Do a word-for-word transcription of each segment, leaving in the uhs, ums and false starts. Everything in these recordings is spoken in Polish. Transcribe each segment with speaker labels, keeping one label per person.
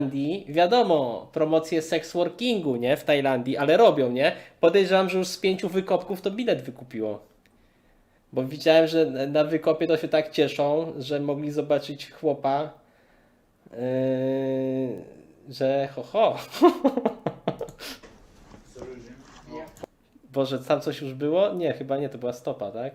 Speaker 1: Tajlandii, wiadomo, promocje sexworkingu, nie, w Tajlandii, ale robią, nie? Podejrzewam, że już z pięciu wykopków to bilet wykupiło. Bo widziałem, że na wykopie to się tak cieszą, że mogli zobaczyć chłopa, yy, że ho ho. Boże, tam coś już było? Nie, chyba nie, to była stopa, tak?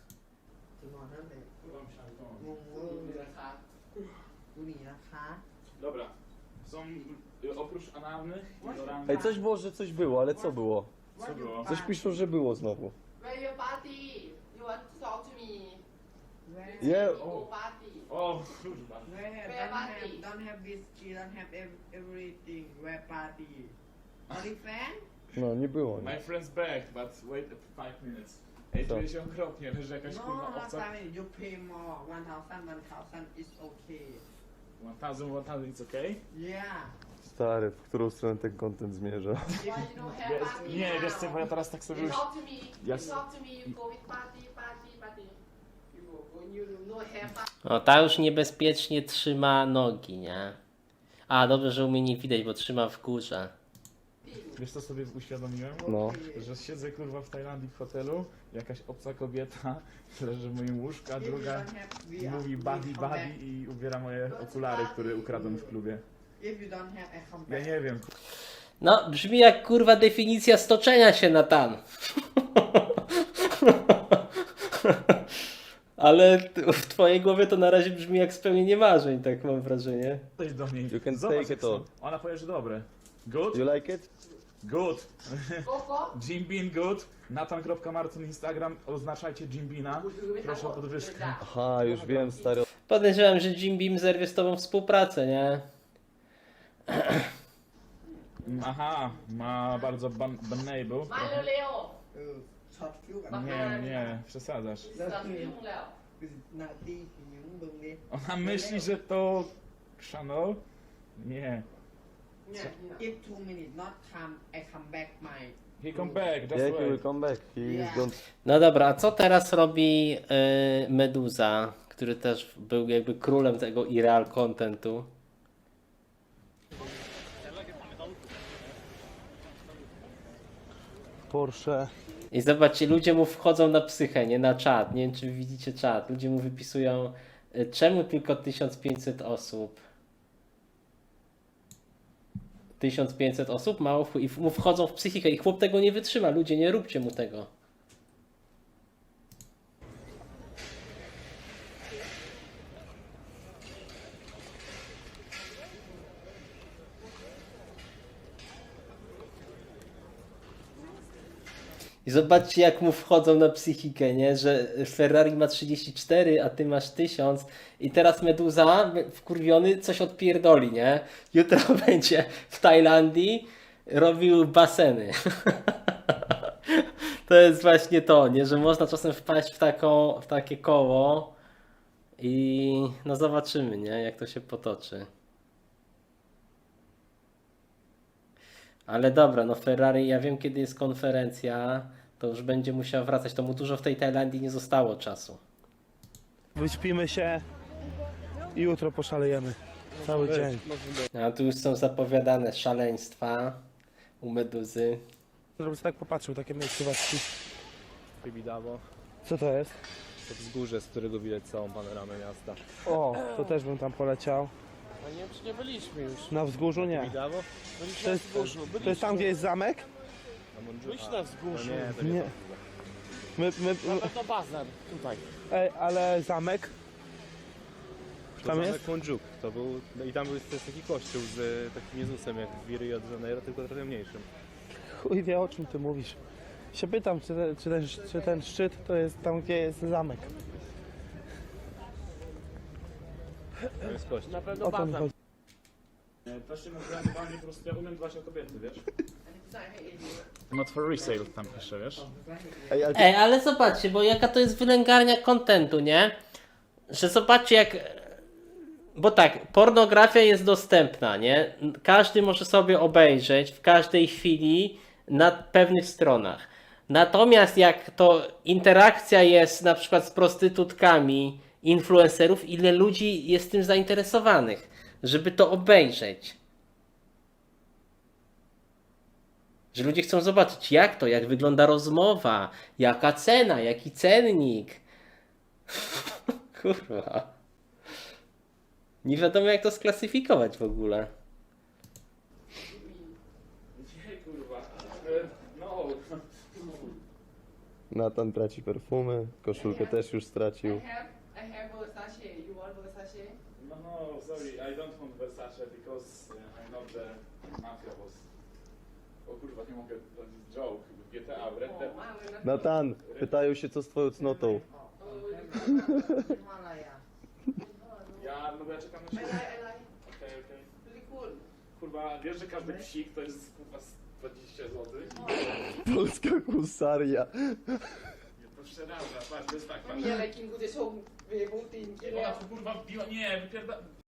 Speaker 2: Dobra, są y, oprócz analnych i oralnych.
Speaker 3: Ej, coś było, że coś było, ale co było?
Speaker 2: Co było?
Speaker 3: Coś piszą, że było znowu.
Speaker 4: Where your party? You want to talk to me?
Speaker 3: Nie,
Speaker 4: Go party.
Speaker 2: O, kurwa.
Speaker 5: Where have,
Speaker 4: Where
Speaker 5: don't
Speaker 4: party?
Speaker 5: have, don't have whiskey, don't have ev- everything. Where party? Only fan?
Speaker 3: no nie było. Nie.
Speaker 2: My friend's back, but wait five minutes. Ej,
Speaker 3: Co?
Speaker 2: czuję się okropnie, leży jakaś
Speaker 5: No,
Speaker 2: kurwa
Speaker 5: last
Speaker 2: owca.
Speaker 5: time you pay more. One thousand, one thousand is okay.
Speaker 2: One thousand, one thousand, it's okay?
Speaker 5: Yeah.
Speaker 3: Stary, w którą stronę ten content zmierza?
Speaker 4: Why you don't have
Speaker 2: Wiesz,
Speaker 4: party
Speaker 2: nie,
Speaker 4: now?
Speaker 2: wiesz co, bo ja teraz tak sobie
Speaker 4: You
Speaker 2: już...
Speaker 4: talk to me.
Speaker 2: Ja
Speaker 4: You
Speaker 2: s-
Speaker 4: talk to me. You go with party, party, party. You go. When you no have party.
Speaker 1: O, ta już niebezpiecznie trzyma nogi, nie? A, dobrze, że u mnie nie widać, bo trzyma w górze.
Speaker 2: Wiesz co sobie uświadomiłem?
Speaker 3: No.
Speaker 2: Że siedzę kurwa w Tajlandii w hotelu, jakaś obca kobieta leży w moim łóżku, a
Speaker 5: If you
Speaker 2: druga
Speaker 5: don't have, we are,
Speaker 2: mówi
Speaker 5: we
Speaker 2: buddy
Speaker 5: come
Speaker 2: buddy
Speaker 5: back.
Speaker 2: i ubiera moje okulary, które ukradłem w klubie.
Speaker 5: If you don't have, I come
Speaker 2: Ja
Speaker 5: back.
Speaker 2: nie wiem,
Speaker 1: No, brzmi jak kurwa definicja stoczenia się na tan. Ale t- w twojej głowie to na razie brzmi jak spełnienie marzeń, tak mam wrażenie.
Speaker 2: coś do niej.
Speaker 3: You can
Speaker 2: Zobacz,
Speaker 3: take
Speaker 2: jak
Speaker 3: it all.
Speaker 2: są. Ona powie, że dobre. Good?
Speaker 3: You like it?
Speaker 2: Good.
Speaker 4: Go go.
Speaker 2: Jim Bean good. Nathan kropka martin Instagram. Oznaczajcie Jim Beana. Proszę o podwyżkę.
Speaker 3: Aha, już wiem, stary.
Speaker 1: Podejrzewam, że Jim Beam zerwie z tobą współpracę, nie?
Speaker 2: Aha, ma bardzo ban banable.
Speaker 4: มาเร็ว
Speaker 5: Uh, short cube and
Speaker 2: Nie, nie, przesadzasz.
Speaker 4: ๆจะยุ่งแล้ว
Speaker 5: is not the những bưng đi.
Speaker 2: Ona myśli, że to Chanel? Nie.
Speaker 4: เนี่ยนี่นะ
Speaker 5: If two minutes not come, I come back my.
Speaker 2: He come back, just
Speaker 3: Yeah, he will
Speaker 2: wait.
Speaker 3: come back. He is
Speaker 5: Yeah.
Speaker 3: gone.
Speaker 1: No dobra, a co teraz robi yy, Meduza, który też był jakby królem tego irreal contentu?
Speaker 3: Porsche.
Speaker 1: I zobaczcie, ludzie mu wchodzą na psychę, nie na czat. Nie wiem, czy widzicie czat. Ludzie mu wypisują, y, czemu tylko tysiąc pięćset osób? tysiąc pięćset osób? Mało w... i w- mu wchodzą w psychikę i chłop tego nie wytrzyma. Ludzie, nie róbcie mu tego. I zobaczcie, jak mu wchodzą na psychikę, nie? Że Ferrari ma trzydzieści cztery, a ty masz tysiąc. I teraz Meduza, wkurwiony, coś odpierdoli, nie? Jutro będzie w Tajlandii robił baseny. To jest właśnie to, nie? Że można czasem wpaść w, taką, w takie koło i no zobaczymy, nie? Jak to się potoczy. Ale dobra, no Ferrari, ja wiem kiedy jest konferencja, to już będzie musiał wracać. To mu dużo w tej Tajlandii nie zostało czasu.
Speaker 6: Wyśpimy się i jutro poszalejemy. Cały dzień.
Speaker 1: A tu już są zapowiadane szaleństwa u Meduzy.
Speaker 6: Żebym sobie tak popatrzył, takie miejscówki.
Speaker 7: Bibidawo,
Speaker 6: Co to jest?
Speaker 7: to wzgórze, z którego widać całą panoramę miasta.
Speaker 6: O, to też bym tam poleciał.
Speaker 7: A nie, czy nie byliśmy już.
Speaker 6: Na wzgórzu nie.
Speaker 7: Bibidawo? Byliśmy
Speaker 6: To
Speaker 7: na
Speaker 6: jest,
Speaker 7: wzgórzu,
Speaker 6: to jest tam, gdzie jest zamek?
Speaker 7: Na Mondżu. Byliśmy na wzgórzu. No nie, to
Speaker 6: Nie.
Speaker 7: nie.
Speaker 6: My, my,
Speaker 7: Na
Speaker 6: my,
Speaker 7: pewno bazar, tutaj.
Speaker 6: ej, ale zamek?
Speaker 7: To
Speaker 6: Tam
Speaker 7: zamek
Speaker 6: jest?
Speaker 7: Mondżuk, to był, no i tam był też taki kościół z e, takim Jezusem jak w Rio de Janeiro, tylko trochę mniejszym.
Speaker 6: Chuj wie, o czym ty mówisz. Się pytam, czy, te, czy, ten, czy ten szczyt to jest tam, gdzie jest zamek.
Speaker 7: To jest kościół. Na pewno
Speaker 6: O to mi
Speaker 7: bazar.
Speaker 6: chodzi.
Speaker 2: To się nazywa normalnie po prostu, ja umiem dbać o kobiety, wiesz? Not for resale tam pisze, wiesz?
Speaker 3: Ej, ale
Speaker 1: Ej, ale zobaczcie, bo jaka to jest wylęgarnia kontentu, nie? Że zobaczcie jak... Bo tak, pornografia jest dostępna, nie? Każdy może sobie obejrzeć w każdej chwili na pewnych stronach. Natomiast jak to interakcja jest na przykład z prostytutkami, influencerów, ile ludzi jest tym zainteresowanych, żeby to obejrzeć. Że ludzie chcą zobaczyć jak to, jak wygląda rozmowa, jaka cena, jaki cennik. Kurwa. Nie wiadomo jak to sklasyfikować w ogóle.
Speaker 2: Nie, kurwa. E, No.
Speaker 3: Natan traci perfumy, koszulkę też już
Speaker 4: I
Speaker 3: stracił.
Speaker 4: have I have Versace. You want Versace?
Speaker 2: No, no, sorry, I don't want Versace because uh, I know the mafia was... O kurwa, nie mogę, to jest joke, G T A, w Red Dead.
Speaker 4: Oh, wow, we're not-
Speaker 3: Natan, pytają się co z twoją cnotą.
Speaker 5: Himalaya.
Speaker 2: Ja, no bo ja czekam na
Speaker 4: I
Speaker 2: siebie.
Speaker 4: like, I like.
Speaker 2: Okej, okej.
Speaker 4: Really cool.
Speaker 2: Kurwa, wiesz, że każdy psik to jest kurwa z dwadzieścia złotych?
Speaker 3: Polska husaria.
Speaker 2: To przeraża, patrz, to jest tak, patrz.
Speaker 4: Không như là Kim của tôi xung về công ty kia
Speaker 2: Ona
Speaker 4: đâu.
Speaker 2: tu kurwa wbiła, nie, wypierda...